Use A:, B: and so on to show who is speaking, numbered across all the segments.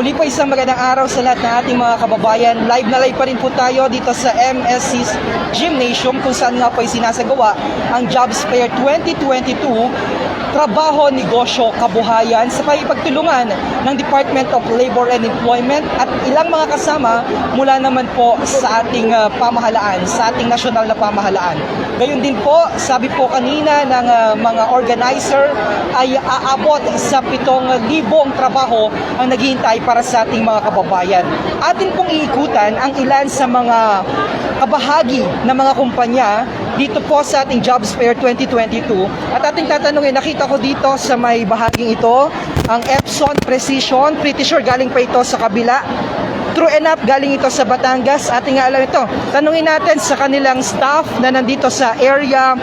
A: Muli po isang magandang araw sa lahat ng ating mga kababayan. Live na live pa rin po tayo dito sa MSC Gymnasium kung saan nga po ay sinasagawa ang Jobs Fair 2022, trabaho, negosyo, kabuhayan sa pagtulungan ng Department of Labor and Employment at ilang mga kasama mula naman po sa ating pamahalaan, sa ating nasyonal na pamahalaan. Gayon din po, sabi po kanina ng mga organizer ay aabot sa 7,000 trabaho ang naghihintay para sa ating mga kababayan. Atin pong iikutan ang ilan sa mga kabahagi ng mga kumpanya dito po sa ating Jobs Fair 2022 at ating tatanungin, nakita ko dito sa may bahaging ito ang Epson Precision, pretty sure galing pa ito sa kabila. True enough, galing ito sa Batangas. Ating nga alam ito. Tanungin natin sa kanilang staff na nandito sa area.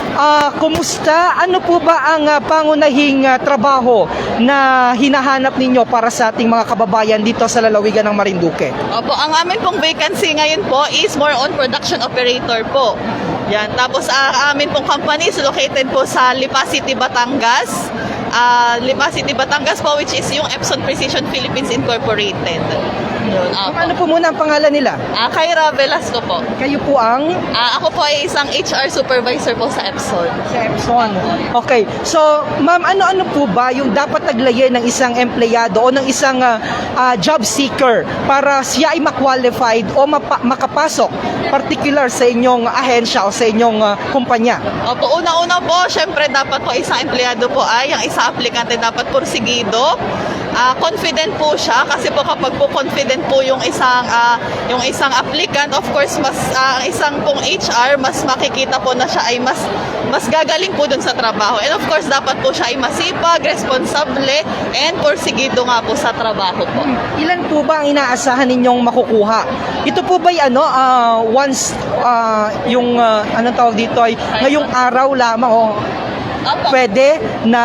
A: Kumusta? Ano po ba ang pangunahing trabaho na hinahanap ninyo para sa ating mga kababayan dito sa lalawigan ng Marinduque?
B: Opo, ang amin pong vacancy ngayon po is more on production operator po. Yan. Tapos amin pong company is located po sa Lipa City, Batangas. Lipa City, Batangas po, which is yung Epson Precision Philippines Incorporated. Yun,
A: Ano po muna ang pangalan nila?
B: Kyra Velasco po.
A: Kayo po ang?
B: Ako po ay isang HR supervisor po sa Epson.
A: Sa Epson. Okay. So, ma'am, ano-ano po ba yung dapat taglayin ng isang empleyado o ng isang job seeker para siya ay ma-qualified o makapasok particular sa inyong ahensya o sa inyong kumpanya?
B: Opo, una-una po, syempre dapat po isang empleyado po ay, ang isang aplikante dapat porsigido. Confident po siya kasi po kapag po confident po yung isang applicant, of course mas isang pong HR mas makikita po na siya ay mas gagaling po dun sa trabaho. And of course dapat po siya ay masipag, responsable and porsigido nga po sa trabaho po.
A: Ilan po ba ang inaasahan ninyong makukuha? Ito po ba once yung anong tawag dito ay ngayong araw lamang o pwede na?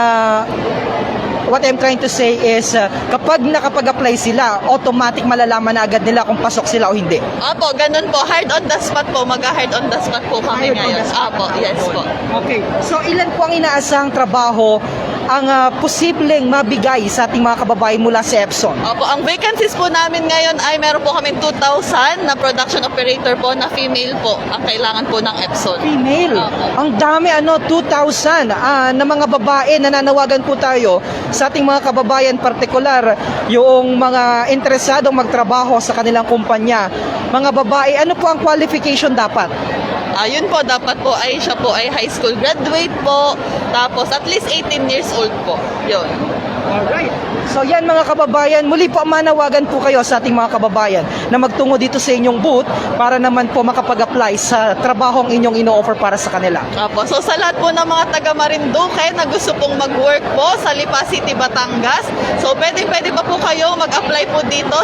A: What I'm trying to say is, kapag nakapag-apply sila, automatic malalaman na agad nila kung pasok sila o hindi.
B: Opo, ganun po. Hard on the spot po. Mag-hard on the spot po kami ngayon. Opo, yes po.
A: Okay. So, ilan po ang inaasahang trabaho ang posibleng mabigay sa ating mga kababayan mula sa Epson?
B: Opo, ang vacancies po namin ngayon ay meron po kami 2,000 na production operator po na female po ang kailangan po ng Epson.
A: Female?
B: Opo.
A: Ang dami, 2,000 na mga babae. Nananawagan po tayo sa ating mga kababayan, partikular yung mga interesadong magtrabaho sa kanilang kumpanya. Mga babae, ano po ang qualification dapat?
B: Yun po, dapat po ay siya po ay high school graduate po, tapos at least 18 years old po. Yun.
A: Alright. So yan mga kababayan, muli po manawagan po kayo sa ating mga kababayan na magtungo dito sa inyong booth para naman po makapag-apply sa trabahong inyong ino-offer para sa kanila.
B: Opo, so sa lahat po ng mga taga Marinduque na gusto pong mag-work po sa Lipa City, Batangas, so pwede pa po kayo mag-apply po dito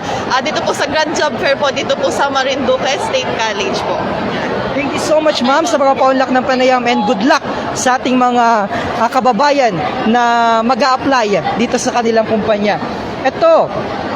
B: sa Grand Job Fair po dito po sa Marinduque State College po.
A: Thank you so much, ma'am, sa mga paunlak ng panayam and good luck sa ating mga kababayan na mag-a-apply dito sa kanilang kumpanya. Ito,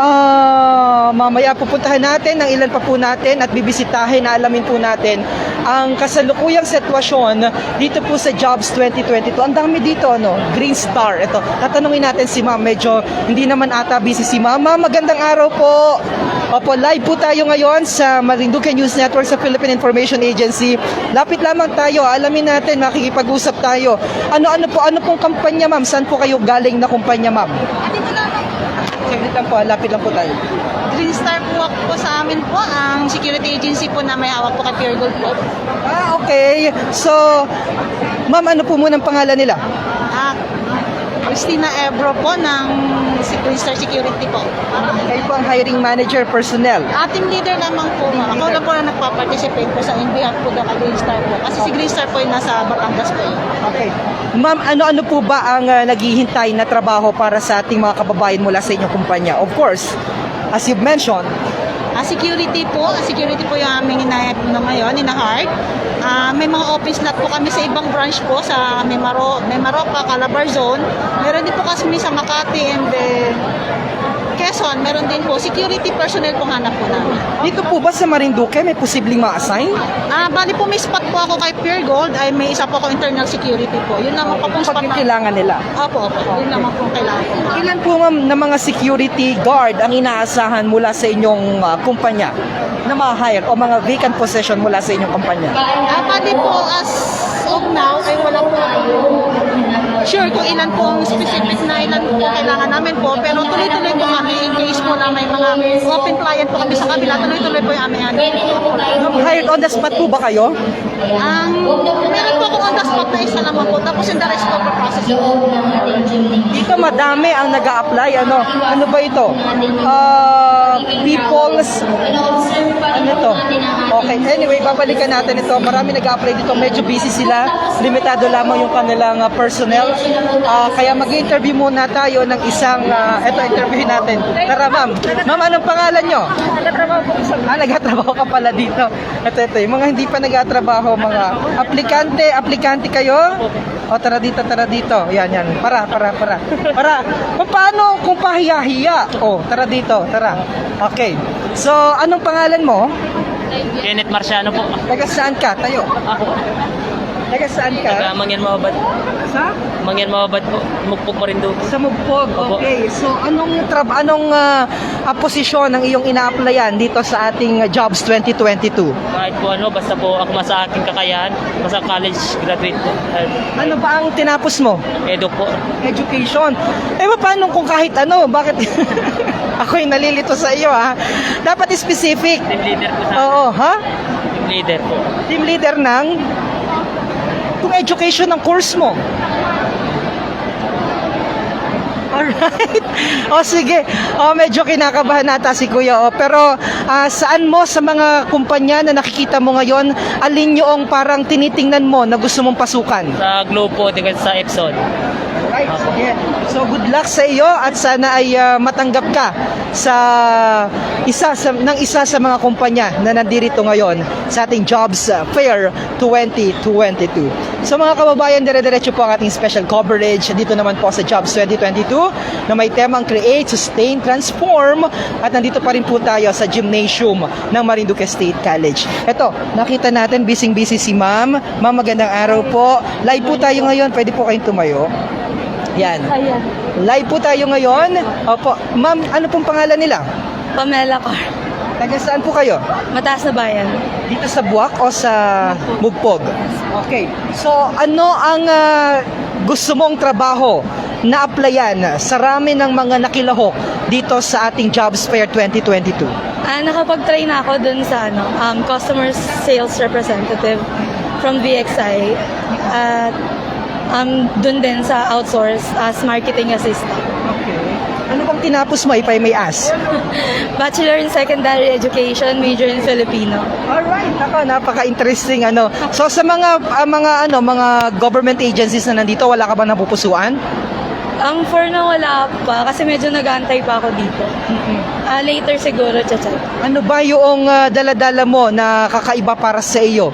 A: mamaya pupuntahan natin ng ilan pa po natin at bibisitahin na alamin po natin ang kasalukuyang sitwasyon dito po sa Jobs 2022. Ang dami dito, Green Star. Ito, tatanungin natin si ma'am. Medyo hindi naman ata busy si ma'am. Ma'am, magandang araw po. Opo, live po tayo ngayon sa Marinduque News Network sa Philippine Information Agency. Lapit lamang tayo, alamin natin, makikipag-usap tayo. Ano pong kampanya, ma'am? Saan po kayo galing na kumpanya, ma'am?
C: Dito lang.
A: Saglit lang po, lapit lang po tayo.
C: Green Star po sa amin po, ang security agency po na may hawak po kay Pure Gold po.
A: Okay. So, ma'am, ano po muna ang pangalan nila?
C: Christina Ebro po ng Green Star Security po.
A: Kayo po ang hiring manager personnel.
C: Team leader naman po. Ako lang po na nagpa-participate po sa behalf po ng Green Star po. Kasi si Green Star po ay nasa Batangas po.
A: Okay. Ma'am, ano po ba ang naghihintay na trabaho para sa ating mga kababayan mula sa inyong kumpanya? Of course, as you've mentioned,
C: Security po yung aming ngayon, ina-hard. May mga office lot po kami sa ibang branch po sa Mimaropa, Calabar Zone. Meron din po kami sa Makati and then Quezon. immigration, meron din po security personnel po hanap po namin.
A: Dito po ba sa Marinduque may posibleng ma-assign?
C: Bali po may spot po ako kay Pure Gold, ay may isa po ako internal security po. Yun naman po pong
A: Pag
C: spot
A: yung
C: na.
A: kailangan nila.
C: Opo. Yun naman po kailangan po.
A: Ilan po ma'am na mga security guard ang inaasahan mula sa inyong kumpanya na ma-hire o mga vacant position mula sa inyong kumpanya?
C: Bali po as of now ay wala po sure kung ilan po ang specific na ilan po kailangan namin po, pero tuloy-tuloy po kami in case po na may mga open client po kami sa kabila, tuloy-tuloy po yung aming
A: Hired on the spot po ba kayo?
C: meron po akong on the spot na isa naman po, tapos yung the rest po po process po.
A: Dito madami ang nag-a-apply. Ano ba ito? People's... Ano to? Okay, anyway, babalikan natin ito. Marami nag-a-apply dito. Medyo busy sila. Limitado lamang yung kanilang personnel. Kaya mag-interview muna tayo ng isang... ito, interviewin natin. Tara, ma'am. Ma'am, anong pangalan nyo? Nag-atrabaho ka pala dito. Ito. Yung mga hindi pa nag-atrabaho, mga aplikante kayo? O, tara dito. Yan. Para. Paano kung pahiya-hiya? O, tara dito, tara. Okay. So, anong pangalan mo?
D: Kenneth Marciano po.
A: Taga saan ka? Tayo.
D: Ako.
A: Taga saan
D: Taga
A: ka?
D: Mangyan Mababad.
A: Sa?
D: Mangyan Mababad po. Mugpog pa rin doon.
A: Sa Mugpog.
D: Opo.
A: Okay. So, anong posisyon ang iyong ina-applyan dito sa ating Jobs 2022?
D: Kahit po ano, basta po ako sa aking kakayahan. Basta college graduate po.
A: Ano ba ang tinapos mo?
D: Edo po.
A: Education. Paano kung kahit ano? Bakit? Ako'y nalilito sa iyo, ha? Dapat specific.
D: Team leader po sa
A: Oo, ha?
D: Team leader po.
A: Team leader ng kung education ng course mo. Alright. Sige. Medyo kinakabahan nata si Kuya. Pero saan mo sa mga kumpanya na nakikita mo ngayon, alin yung parang tinitingnan mo na gusto mong pasukan?
D: Sa Globe po, sa Epson.
A: Right, sige. So good luck sa iyo at sana ay matanggap ka sa isa sa mga kumpanya na nandirito ngayon sa ating Jobs Fair 2022. So mga kababayan, dire-diretso po ang ating special coverage dito naman po sa Jobs 2022 na may temang Create, Sustain, Transform at nandito pa rin po tayo sa gymnasium ng Marinduque State College. Eto, nakita natin busy si Ma'am. Ma'am, magandang araw po. Live po tayo ngayon. Pwede po kayong tumayo. Yan. Live po tayo ngayon. Opo. Ma'am, ano pong pangalan nila?
E: Pamela Car.
A: Taga saan po kayo?
E: Mataas na bayan.
A: Dito sa Buwak o sa Mugpog? Okay. So, ano ang gusto mong trabaho na applyan sa rami ng mga nakilahok dito sa ating Jobs Fair 2022?
E: Nakapag-try na ako dun sa customer sales representative from VXI. At dun din sa outsource as marketing assistant.
A: Okay. Ano bang tinapos mo, if I may ask?
E: Bachelor in Secondary Education, major in Filipino.
A: Alright, napaka-interesting So sa mga government agencies na nandito, wala ka bang napupusuan?
E: For na wala pa, kasi medyo nag-aantay pa ako dito. Later siguro, chat.
A: Ano ba yung dala-dala mo na kakaiba para sa iyo?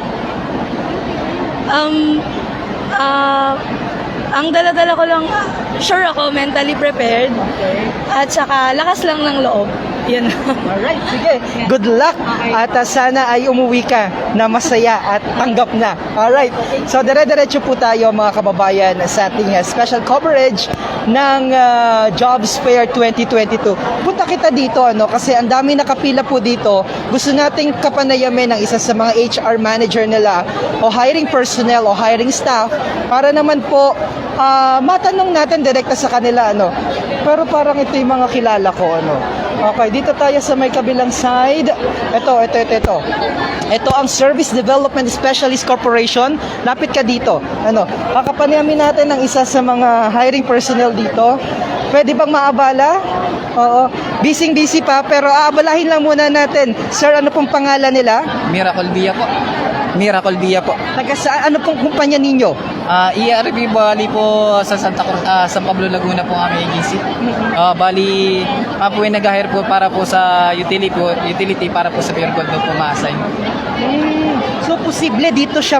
E: Ang dala-dala ko lang, sure ako, mentally prepared.
A: Okay.
E: At saka, lakas lang ng loob. Yun.
A: Alright, sige. Good luck. At sana ay umuwi ka na masaya at tanggap na. Alright. So, dire-diretso po tayo mga kababayan sa ating special coverage ng Jobs Fair 2022. Punta kita dito, kasi ang dami nakapila po dito. Gusto nating kapanayamin ng isa sa mga HR manager nila o hiring personnel o hiring staff para naman po matanong natin direkta sa kanila, Pero parang ito yung mga kilala ko, Okay, dito tayo sa may kabilang side. Ito. Ito ang Service Development Specialist Corporation. Lapit ka dito. Kakapanayamin natin ng isa sa mga hiring personnel dito. Pwede bang maabala? Oo. Busy pa, pero aabalahin lang muna natin. Sir, ano pong pangalan nila?
F: Miracle Villa po. Miracle Via po.
A: Taga saan? Ano pong kumpanya ninyo?
F: ERB bali po sa Santa Cruz, San Pablo, Laguna po ang aming agency. Bali, po yung nag-hire po para po sa utility para po sa Pure Gold po ma-assign.
A: So, posible dito siya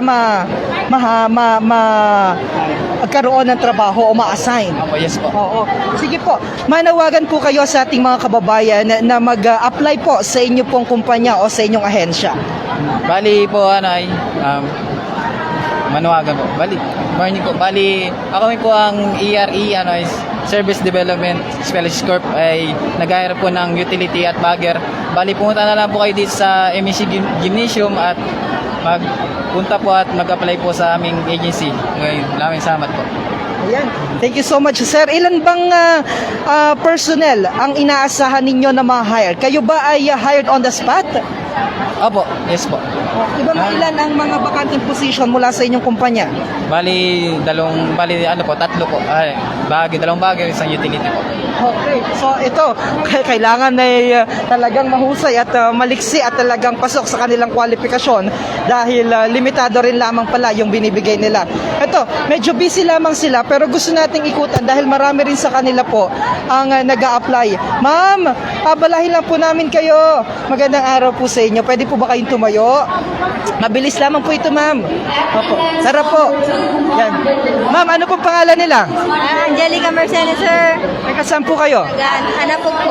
A: magkaroon ng trabaho o ma-assign.
F: Opo, yes po.
A: Oo. Sige po, manawagan po kayo sa ating mga kababayan na mag-apply po sa inyo pong kumpanya o sa inyong ahensya.
F: Bali po manawagan po. Morning po. Bali, ako po ang ERE, is Service Development Specialist Corp ay nag-hire po ng utility at bagger. Bali, pumunta na lang po kayo dito sa MEC Gymnasium at magpunta po at mag-apply po sa aming agency. Ngayon, maraming salamat po.
A: Ayan. Thank you so much, sir. Ilan bang personnel ang inaasahan ninyo na ma-hire? Kayo ba ay hired on the spot?
F: Opo, yes po.
A: Iba ba ilan ang mga vacanting position mula sa inyong kumpanya?
F: Tatlo po. Dalawang bagay, isang utility po.
A: Okay. So ito, kailangan ay talagang mahusay at maliksi at talagang pasok sa kanilang kwalifikasyon dahil limitado rin lamang pala yung binibigay nila. Ito, medyo busy lamang sila pero gusto nating ikutan dahil marami rin sa kanila po ang nag-a-apply. Ma'am, pabalahin lang po namin kayo. Magandang araw po sa inyo. Pwede po ba kayong tumayo? Mabilis lamang po ito, ma'am. Opo. Sarap po. Yan. Ma'am, ano pong pangalan nila?
E: Angelica Mercedes, sir.
A: Teka, saan po kayo?
E: Nag-aanapog po.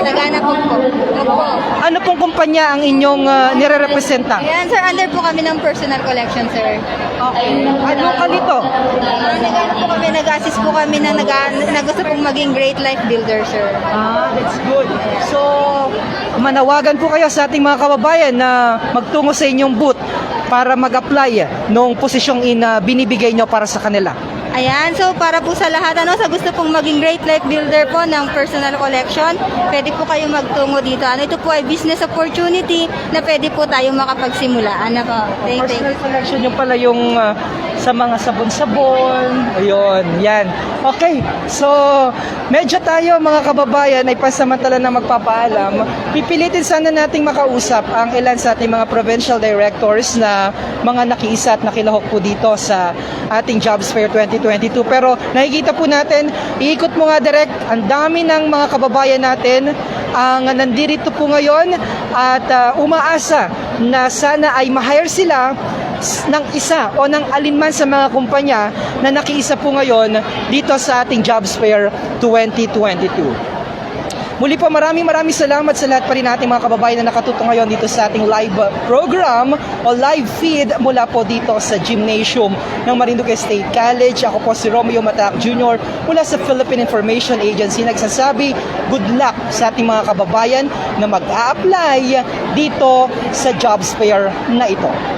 E: Opo.
A: Ano pong kumpanya ang inyong nire-representa?
E: Ayan, sir, under po kami ng personal collection, sir.
A: Okay. Ano ka dito?
E: Nag-assist po kami na gusto pong maging great life builder, sir.
A: That's good. So, manawagan po kayo sa ating mga kababayan na magtungo sa inyong booth para mag-apply nung posisyong binibigay nyo para sa kanila.
E: Ayan, so para po sa lahat, sa gusto pong maging great life builder po ng personal collection, pwede po kayo magtungo dito. Ito po ay business opportunity na pwede po tayo makapagsimula. Thank you.
A: Personal collection yung pala yung sa mga sabon-sabon. Ayun, yan. Okay, so medyo tayo mga kababayan ay pansamantala na magpapaalam. Pipilitin sana nating makausap ang ilan sa ating mga provincial directors na mga nakiisa at nakilahok po dito sa ating Jobs Fair 2022. Pero nakikita po natin, iikot mo nga direct, ang dami ng mga kababayan natin ang nandito po ngayon at umaasa na sana ay ma-hire sila ng isa o ng alinman sa mga kumpanya na nakiisa po ngayon dito sa ating Jobs Fair 2022. Muli po maraming salamat sa lahat pa rin nating mga kababayan na nakatuto ngayon dito sa ating live program o live feed mula po dito sa gymnasium ng Marinduque State College. Ako po si Romeo Matac Jr. mula sa Philippine Information Agency nagsasabi good luck sa ating mga kababayan na mag-a-apply dito sa Jobs Fair na ito.